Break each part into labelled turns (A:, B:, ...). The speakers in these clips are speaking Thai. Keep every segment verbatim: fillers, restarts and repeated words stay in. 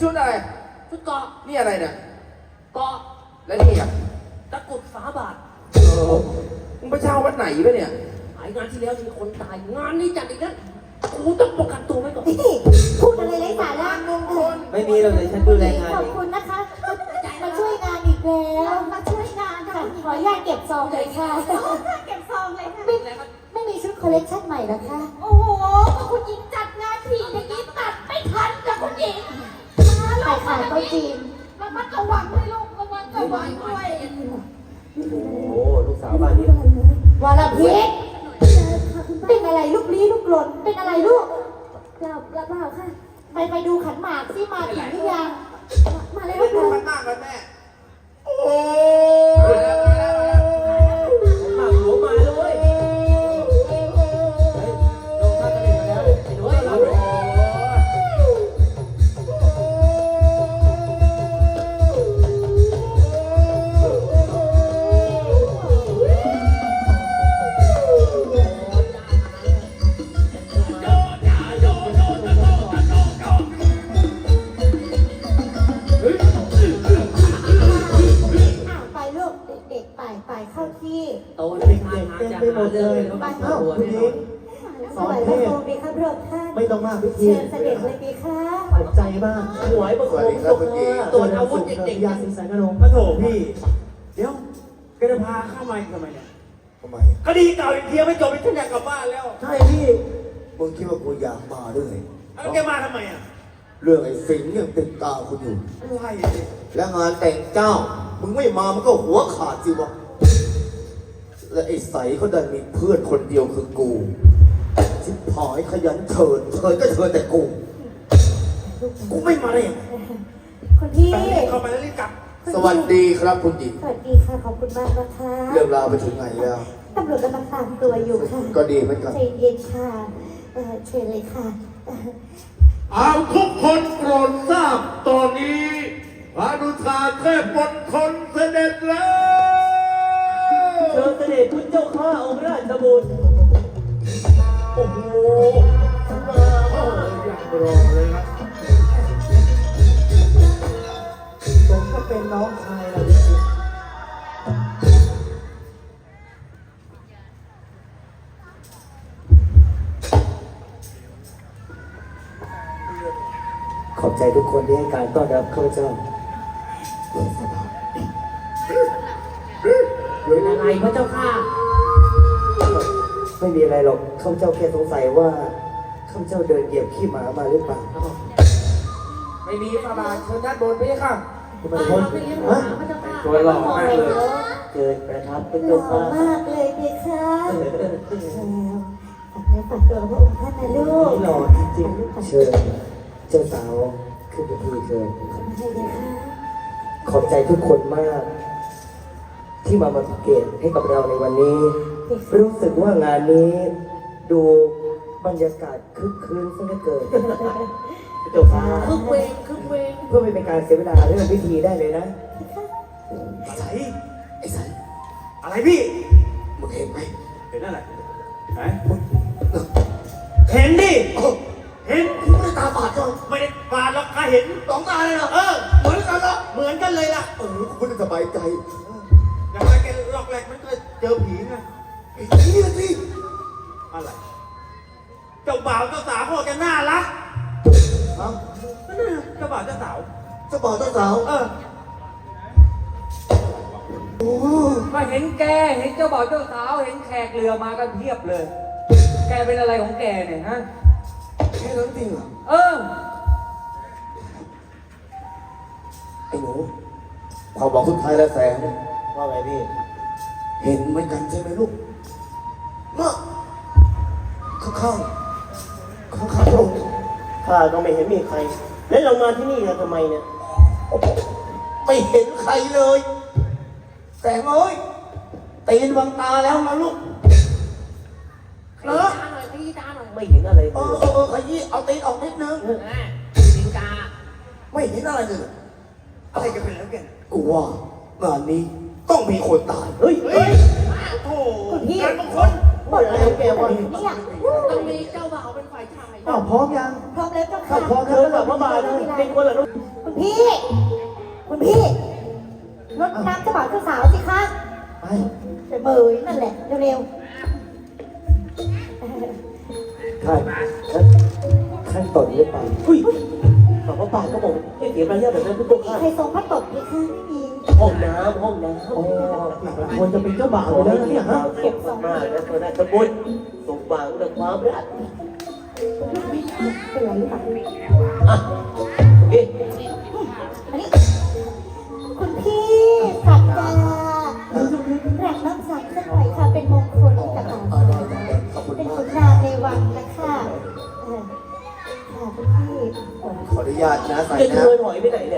A: ชุดอะไร
B: ชุดเกาะ
A: นี่อะไรเนี่ย
B: เกาะ
A: แล้วนี่อ่ะ
B: ตะกุดฝาบาท
A: เออมึงไปเช่าวัดไหนปะเนี่ย
B: หายงานที่แล้วมีคนตายงานนี้จัดอีกแล้วกูต้องประกันตัวไว้ก่อน
C: พูดอะไรไร้สาระ
D: ไม่มีเราเลยฉันดูแลงาน
C: ขอบคุณนะคะมาช่วยงานอีกแล้วมาช่วยงานค่ะขออนุญาตเก็บซองเลยค่ะเก็บซองเลยค่ะไม่ไม่มีชุดคอลเลคชั่นใหม่หรอคะโอ้โหคุณหญิงจัดงานทีอย่างนี้ตัดไม่ทันกับคุณหญิงขายขายก็จีนระมัดระวังด้วยลูกระมัดระวังด้วย
D: โอ้ลูกสาวบ้านนี้
C: วรพิษเป็นอะไรลูกลี้ลูกหล่นเป็นอะไรลูกเปล่าเปล่าค่ะไปไปดูขันหมากสิมาถึงหรือยังมาเลยลูก
A: ดูขันหมากกันแม่โอ้
D: หมากหัวมาเลยลงท่าทะเลมาแล้วไอ้หนูรับ
C: เข้าที่
B: โตเลยทางหาจะหาเลย
C: ไปเข้าที่สอนเทพดีครับพระท่าน
D: ไม่ต้องมากพิธี
C: เชิญเสด็จเลยดีค่ะ
D: ขอบใจมากหวยประคองตกมาตัวอาวุธเด็กๆยาสิงสารกระโดงพระโถพี่เดี๋ยวแกจะพาเข้ามาทำไมเนี่ย
A: ทำไม
D: คดีเก่าอีกทีไม่จบไปฉันอยากกลับบ้านแล้วใช่พี่
A: มึงคิดว่ากูอยากมาด้วย
D: แล้วแกมาทำไมอ่ะ
A: เรื่องไอ้สิงห์ยังติดตาคุณอยู่
D: ใช่
A: แล้วงานแต่งเจ้ามึงไม่มามันก็หัวขาดสิวะและไอ้ใสเขาดันมีเพื่อนคนเดียวคือกูชิบหายขยันเถิดเถิดก็เถิดแต่กูกูไม่มาเลย
C: คนที่
D: เข้าไปแล้วรีบกลับ
A: สวัสดีครับคุณหญิง
C: สวัสดีค่ะขอบคุณมากนะคะ
A: เรื่องราวไปถึงไหนแล้ว
C: ตำรวจกำลังตามตัวอยู่ค่ะ
A: ก็ดีเหมือนกัน
C: ใจเย็นค่ะเชิญเลยค่ะ
E: เอาทุกคนโปรดทราบตอนนี้พระนุชาเทพมณฑลเสด็จแล้ว
D: เชิญเสด็จคุณเจ้าข้าองค์ราชบุตร
E: โอ้โหมาโอ้ยอย่างรอเลยนะ
D: ผมก็เป็นน้องชายเราดิขอบใจทุกคนที่ให้การต้อนรับข้าพเจ้า
B: เป็นอะไรพระเจ้าค่ะ
D: ไม่มีอะไรหรอกข้าพเจ้าแค่สงสัยว่าข้าพเจ้าเดินเหยียบขี้หมามาหรือเปล่า
A: ไม่มีพระบาทเชิญด้านบนไปค่ะ
D: คุณเป็นคนฮะตัวหล่อมากเลยเกิดประทับเป็นตัว
C: หล่อมากเลยพี่คะฝากเนื้อฝากตัวพระองค์ท่านนะลูก
D: หล่อจริงๆเชิญเจ้าสาวขึ้นไปทีเชิญขอบใจทุกคนมากที่มามาสังเกตให้กับเราในวันนี้รู้สึกว่างานนี้ดูบรรยากาศคึกคืนซะเหลือเกินเจ้าค่ะ
B: คึกเวงคึกเวง
D: เพื่อไม่เป็นการเสียเวลาเรื่องพิธีได้เลยนะ
A: ไอ้ไอ้สัน
D: อะไรพี่
A: มึงเห็นไหม
D: เห็นอะไรไหนเห็นดิเห็น
A: กูไม่ได้ตาบาดจ้ะ
D: ไม่ได้บาดหรอกข้าเห็น
A: สองตาเลยเหรอ
D: เออ
A: เหมือนกันเหรอ
D: เหมือนกันเลยล่ะ
A: เออกูไม่ได้สบายใจ
D: อย่างไรแกหลอกแหลกมันก็เจอผีไง
A: ไอ้นี่สิ
D: อะไรเจ้าบ่าวเจ้าสาวพ่อแกน่ารัก
A: ฮะ
D: เจ้าบ่าวเจ้าสาว
A: เจ้าบ่าวเจ้าสาว
D: เออ
A: โอ้
B: มาเห็นแกเห็นเจ้าบ่าวเจ้าสาวเห็นแขกเรือมากันเพียบเลยแกเป็นอะไรของแกเนี่ยฮะ
A: แค่นั้นจริงเหรอ
B: เออ
A: ไอ้หนูพอบอกสุดท้ายแล้วแสง
D: ว่าไงพี่
A: เห็นเหมือนกันใช่ไหมลูกมาข้างข้างข้างข้างตรง
D: ข้าก็ไม่เห็นมีใครแล้วเรามาที่นี่กันทำไมเนี่ย
A: ไม่เห็นใครเลยแสงเอ้ยตีนบังตาแล้วนะลูก
B: เหรอตาหน่อยขยี้ตาหน่อย
D: ไม่เห็นอะไร
A: เออเออขยี้เอาตีนออกนิดนึง
B: สิงกา
A: ไม่เห็นอะไรเลย
D: อะไรกันไปแล้วแก
A: กูว่างานนี้ต้องมีคนตาย
D: เฮ้ยเฮ้ยโอ้โหงานบางคน
C: หมดอะไรแกวะเนี่ย
B: ต้องมีเจ้าบ่าวเป็นฝ่ายชาย
A: อ้าวพร้อมยัง
C: พร้อมแล้วเจ้า
A: ถ้า
C: ค่ะ
A: พร้อม
D: เธ
A: แล้ว
D: อแบบว่ามาเลยเป็นคนเหรอลูก
C: คุณพี่ คุณพี่รดน้ำเจ้าบ่าวเจ้าสาวสิคะ
A: ไป
C: ไปเบยนั่นแหละเร็ว
D: ท่านท่านตดหรือเปล่าอุ้ยบอกว่าปากก็บอกไม่เสียมารยาทแบบนั้นทุก
C: ๆ
D: ท่าน
C: ใครทรงพระตกไหมคะไม่มี
D: ห้องน้ำห้องน้ำโอ้
A: ควรจะเป็นเจ้าบ่าวอยู่แล้วนะเนี่ยฮะ
D: เก็บมากๆนะตัวนั้นสมบูรณ์สมหวังและความรัก
C: เป็นไรหรือเปล่า
D: อ่ะเอ๊ะ
C: อันนี้คุณพี่สักดาแรกน้ำสักสักหน่อยค่ะ เป็นมงคลให้กับเรา
A: เออได้ได้ได้ขอบคุณ
C: เป็น
A: มา
C: ขุ
A: ก
C: นนางในวังนะคะเออค่ะคุณพี่
A: ขออนุญาตนะใส่
D: จะ
A: นะ
D: เดินหอยไปไหนเนี่ย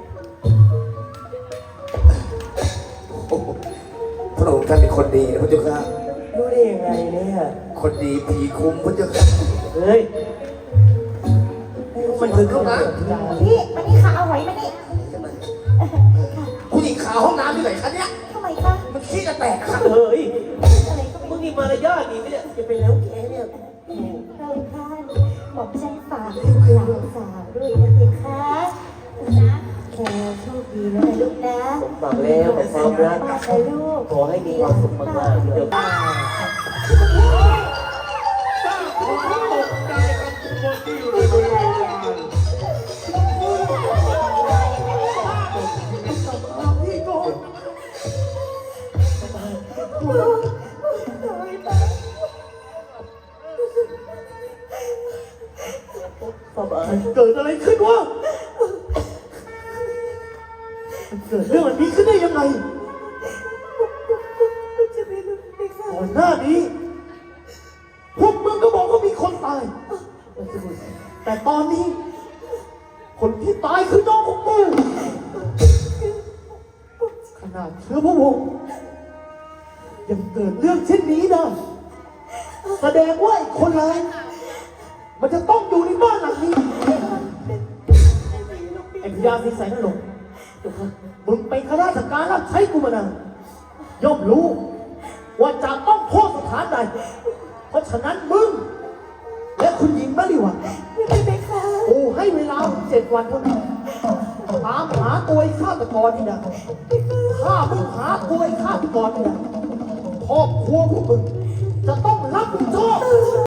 A: โอ้โหพระองค์ท่านเป็นคนดีนะพระเจ้าค่ะ
D: รู้ได้ยังไงเนี่ย
A: คนดีผีคุ้มพระเจ้าค่ะ
D: เฮ้ยมันคือข้าวหลาม
C: พี่มานี่ค่ะเอาไว้มานี่
A: ผู้หญิงขาวห้องน้ำที่ไหนคะเนี่ย
C: ทำไมคะ
A: มันขี้จะแตกค่ะ
D: เฮ้ย
C: อะไรก็ไม่
D: มึง
C: รู้
D: มีมารยาทดีไหมเนี่ยจะไปแล้วแกเนี่ย
C: เราท่านบอกฉันฝากหลานสาวด้วยนะเพคะนะแค่โชคดีนะลูกนะ
D: ผมฟังแล้วแต่ความรัก
C: มากนะลูก
D: ขอให้มีความสุขมากๆเดี๋ยว
E: สร้างความตกใจกับทุกคนที่อยู่ในบริเวณงานที่โกน
D: พ่อบา
A: เกิดอะไรขึ้นวะมันเกิดเรื่องแบบนี้ขึ้นได้ยังไง
C: จะไม่รู้เลยค่ะ
A: ก่อนหน้านี้พวกมึงก็บอกว่ามีคนตาย แต่ตอนนี้ คนที่ตายคือน้องของกูขนาดเชื้อพระวงศ์ยังเกิดเรื่องเช่นนี้ได้แสดงว่าไอ้คนร้ายมันจะต้องอยู่ในบ้านหลังนี้ไอ้พญาศรีแสนนรงค์มึงเป็นข้าราชการรับใช้กูมานานย่อมรู้ ว่าจะต้องโทษสถานใด เพราะฉะนั้นมึง และคุณหญิงมะลิวัน
C: ไม่เป็นค่ะ
A: กูให้เวลาเจ็ดวันเท่านั้นตามหาตัวไอ้ฆาตกรนี่นะถ้ามึงหาตัวไอ้ฆาตกรนี่นะครอบครัวพวกมึงจะต้องรับผิดชอบ